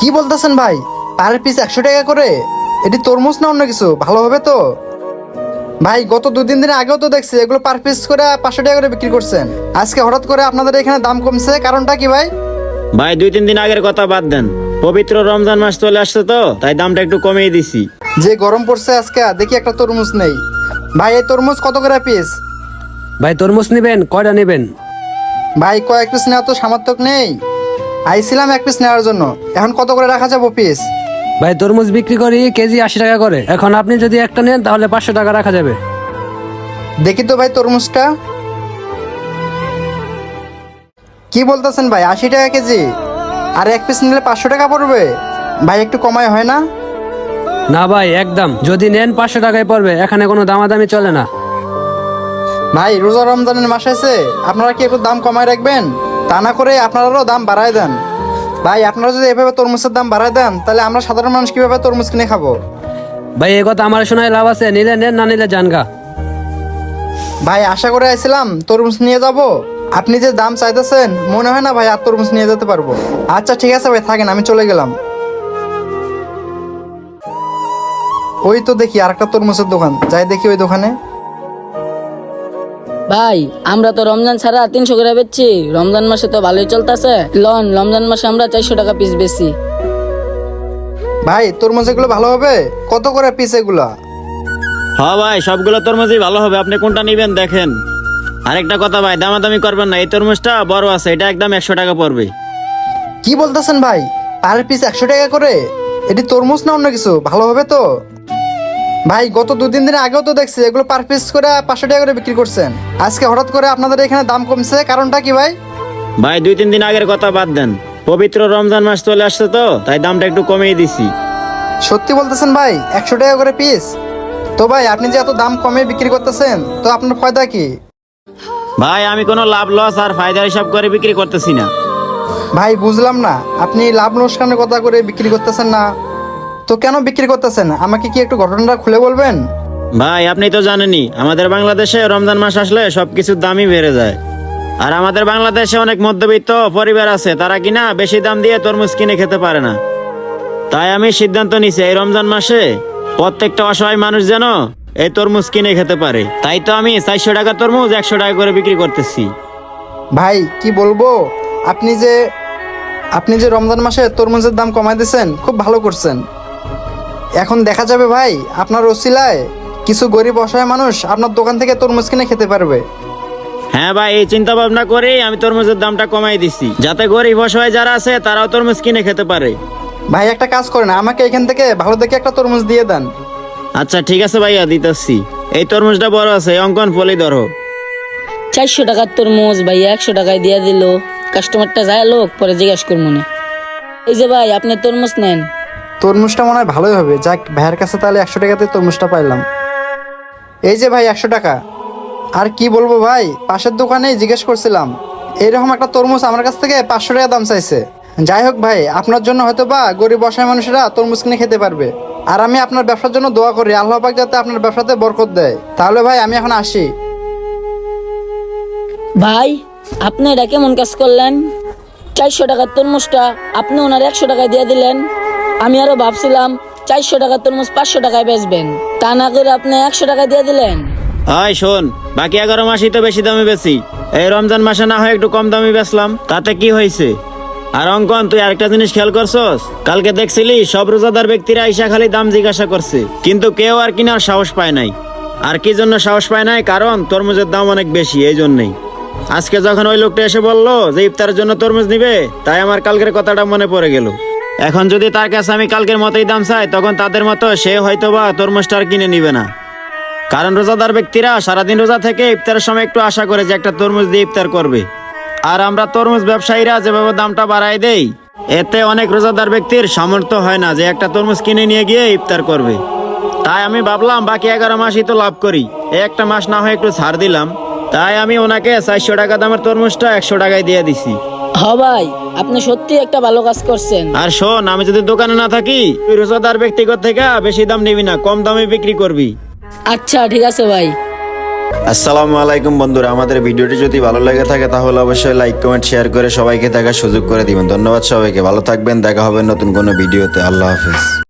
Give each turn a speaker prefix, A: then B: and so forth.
A: কি বলতেছেন ভাই? পার পিস 100 টাকা করে? এটি তরমুজ না অন্য কিছু? ভালো হবে তো? ভাই গত 2-3 দিন আগেও তো দেখছি এগুলো পার পিস করে 500 টাকা করে বিক্রি করছেন। আজকে হঠাৎ করে আপনাদের এখানে দাম কমছে, কারণটা কি ভাই?
B: ভাই 2-3 দিন আগের কথা বাদ দেন, পবিত্র রমজান মাস চলে আসছে তো তাই দামটা একটু কমিয়ে দিছি।
A: যে গরম পড়ছে আজকে, দেখি একটা তরমুজ নেই। ভাই এই তরমুজ কত করে পিস?
C: ভাই তরমুজ নেবেন? কয়টা নেবেন?
A: ভাই কয়েক পিস নেওয়া তো সামর্থ্য নেই। আইছিলাম 1 পিস নেওয়ার জন্য, এখন কত করে রাখা যাবো পিস?
C: ভাই তরমুজ বিক্রি করি কেজি 80 টাকা করে। এখন আপনি যদি একটা নেন তাহলে 500 টাকা রাখা যাবে।
A: দেখি তো ভাই তরমুজটা। কি বলতেছেন ভাই, 80 টাকা কেজি? আর 1 পিস নিলে 500 টাকা পড়বে? ভাই একটু কমায় হয় না?
C: না ভাই একদম, যদি নেন 500 টাকায় পড়বে, এখানে কোনো দামাদামি চলে না।
A: ভাই রোজা রমজানের মাস আছে, আপনারা কি একটু দাম কমায় রাখবেন? তা না করে আপনারাও দাম বাড়ায় দেন। ভাই আপনারা যদি এভাবে তরমুজের দাম বাড়ায় দেন, তাহলে আমরা সাধারণ মানুষ কিভাবে তরমুজ কিনে খাবো?
C: ভাই এই কথা আমার শোনায় লাভ আছে? নিলে নেন, না নিলে জানগা।
A: ভাই আশা করে আইছিলাম তরমুজ নিয়ে যাব, আপনি যে দাম চাইতেছেন মনে হয় না ভাই আর তরমুজ নিয়ে যেতে পারবো। আচ্ছা ঠিক আছে ভাই, থাকেন, আমি চলে গেলাম। ওই তো দেখি আরেকটা তরমুজের দোকান, যাই দেখি ওই দোকানে।
D: ভাই আমরা তো রমজান ছাড়া 300 করে বেচছি, রমজান মাসে তো ভালোই চলতেছে। লন রমজান মাসে আমরা 400 টাকা পিস বেচি।
A: ভাই তরমুজ এগুলো ভালো হবে? কত করে পিস এগুলা?
B: হ্যাঁ ভাই সবগুলো তরমুজই ভালো হবে, আপনি কোনটা নেবেন দেখেন। আরেকটা কথা ভাই, দামাদামি করবেন না, এই তরমুজটা বড় আছে, এটা একদম 100 টাকা পড়বে।
A: কি বলতেছেন ভাই, পার পিস 100 টাকা করে? এটি তরমুজ না অন্য কিছু? ভালো হবে তো? ভাই গত 2-3 দিন আগেও তো দেখছি এগুলো পার পিস করে 500 টাকা করে বিক্রি করছেন। আজকে হঠাৎ করে আপনাদের এখানে দাম কমছে, কারণটা কি ভাই?
B: ভাই 2-3 দিন আগের কথা বাদ দেন, পবিত্র রমজান মাস চলে আসছে তো তাই দামটা একটু কমিয়ে দিছি।
A: সত্যি বলতেছেন ভাই? 100 টাকা করে পিস? তো ভাই আপনি যে এত দাম কমে বিক্রি করতেছেন, তো আপনার ফায়দা কি?
B: ভাই আমি কোনো লাভ লস আর ফায়দার হিসাব করে বিক্রি করতেছি না।
A: ভাই বুঝলাম না, আপনি লাভ লোকসানের কথা করে বিক্রি করতেছেন না তো কেন বিক্রি করতেছেন? আমাকে কি একটু ঘটনাটা খুলে বলবেন?
B: ভাই আপনি তো জানেনই আমাদের বাংলাদেশে রমজান মাস আসলে সবকিছুর দামই বেড়ে যায়। আর আমাদের বাংলাদেশে অনেক মধ্যবিত্ত পরিবার আছে, তারা কিনা বেশি দাম দিয়ে তরমুজ কিনে খেতে পারে না। তাই আমি সিদ্ধান্ত নিছি এই রমজান মাসে প্রত্যেকটা অসহায় মানুষ যেন এই তরমুজ কিনে খেতে পারে। তাই তো আমি 400 টাকা তরমুজ 100 টাকা করে বিক্রি করতেছি।
A: ভাই কি বলবো, আপনি যে রমজান মাসে তরমুজের দাম কমাই দিয়েছেন, খুব ভালো করছেন। এখন দেখা যাবে ভাই আপনার ওসিলায় কিছু গরিব অসহায় মানুষ আপনার দোকান থেকে তরমুজ কিনে খেতে পারবে।
B: হ্যাঁ ভাই, এই চিন্তা ভাবনা করেই আমি তরমুজের দামটা কমাই দিছি, যাতে গরিব অসহায় যারা আছে তারাও তরমুজ কিনে খেতে পারে।
A: ভাই একটা কাজ করেন, আমাকে এখান থেকে ভালো দেখে একটা তরমুজ দিয়ে দেন।
B: আচ্ছা ঠিক আছে ভাইয়া, দিতেছি। এই তরমুজটা বড় আছে, এই অঙ্কন ফলি ধরো।
D: 400 টাকার তরমুজ ভাই 100 টাকায় দিয়ে দিল। কাস্টমারটা যায় লোক, পরে জিজ্ঞাসা করবো না। এই যে ভাই আপনি তরমুজ নেন।
A: তরমুজটা মনে হয় ভালোই হবে, যাক ভাইয়ের কাছে তাহলে 100 টাকাতে তরমুজটা পাইলাম। এই যে ভাই 100 টাকা। আর কি বলবো ভাই, পাশের দোকানেই জিজ্ঞেস করছিলাম, এইরকম একটা তরমুজ আমার কাছ থেকে 500 টাকা দাম চাইছে। যাই হোক ভাই, আপনার জন্য হয়তো বা গরিব অসহায় মানুষেরা তরমুজ কিনে খেতে পারবে। আর আমি আপনার ব্যবসার জন্য দোয়া করি, আল্লাহ পাক যাতে আপনার ব্যবসাতে বরকত দেয়। তাহলে ভাই আমি এখন আসি।
D: ভাই আপনি এটা কেমন কাজ করলেন? 400 টাকার তরমুজটা আপনি ওনার 100 টাকায় দিয়ে দিলেন। আমি আরো ভাবছিলাম 400 টাকার তরমুজ 500 টাকায় বেচবেন, তা না করে আপনি 100 টাকায় দিয়ে দিলেন।
B: হয় শোন, বাকি 11 মাসই তো বেশি দামে বেশি, এই রমজান মাসে না হয় একটু কম দামে বেচলাম, তাতে কি হয়েছে? আর অঙ্কন তুই আরেকটা জিনিস খেয়াল করছস? কালকে দেখছিলি সব রোজাদার ব্যক্তিরা আইসা খালি দাম জিজ্ঞাসা করছে, কিন্তু কেউ আর কিনার সাহস পায় নাই। আর কি জন্য সাহস পায় নাই? কারণ তরমুজের দাম অনেক বেশি, এই জন্যই। আজকে যখন ওই লোকটা এসে বললো যে ইফতারের জন্য তরমুজ নিবে, তাই আমার কালকের কথাটা মনে পড়ে গেল। এখন যদি তার কাছে আমি কালকের মতোই দাম চাই, তখন তাদের মতো সে হয়তোবা তরমুজটা আর কিনে নিবে না। কারণ রোজাদার ব্যক্তিরা সারাদিন রোজা থেকে ইফতারের সময় একটু আশা করে যে একটা তরমুজ দিয়ে ইফতার করবে। আর আমরা তরমুজ ব্যবসায়ীরা যেভাবে দামটা বাড়ায় দেই, এতে অনেক রোজাদার ব্যক্তির সামর্থ্য হয় না যে একটা তরমুজ কিনে নিয়ে গিয়ে ইফতার করবে। তাই আমি ভাবলাম বাকি 11 মাসই তো লাভ করি, এই একটা মাস না হয় একটু ছাড় দিলাম। তাই আমি ওনাকে 400 টাকা দামের তরমুজটা 100 টাকায় দিয়ে দিছি।
D: হ ভাই আপনি সত্যি একটা ভালো কাজ করছেন।
B: আর শোন, আমি যদি দোকানে না থাকি, তুই রোজাদার ব্যক্তিগত থেকে বেশি দাম নিবি না, কম দামে বিক্রি করবি।
D: আচ্ছা ঠিক আছে ভাই।
B: আসসালামু আলাইকুম বন্ধুরা, আমাদের ভিডিওটি যদি ভালো লেগে থাকে তাহলে অবশ্যই লাইক কমেন্ট শেয়ার করে সবাইকে দেখার সুযোগ করে দিবেন। ধন্যবাদ সবাইকে, ভালো থাকবেন, দেখা হবে নতুন কোনো ভিডিওতে। আল্লাহ হাফেজ।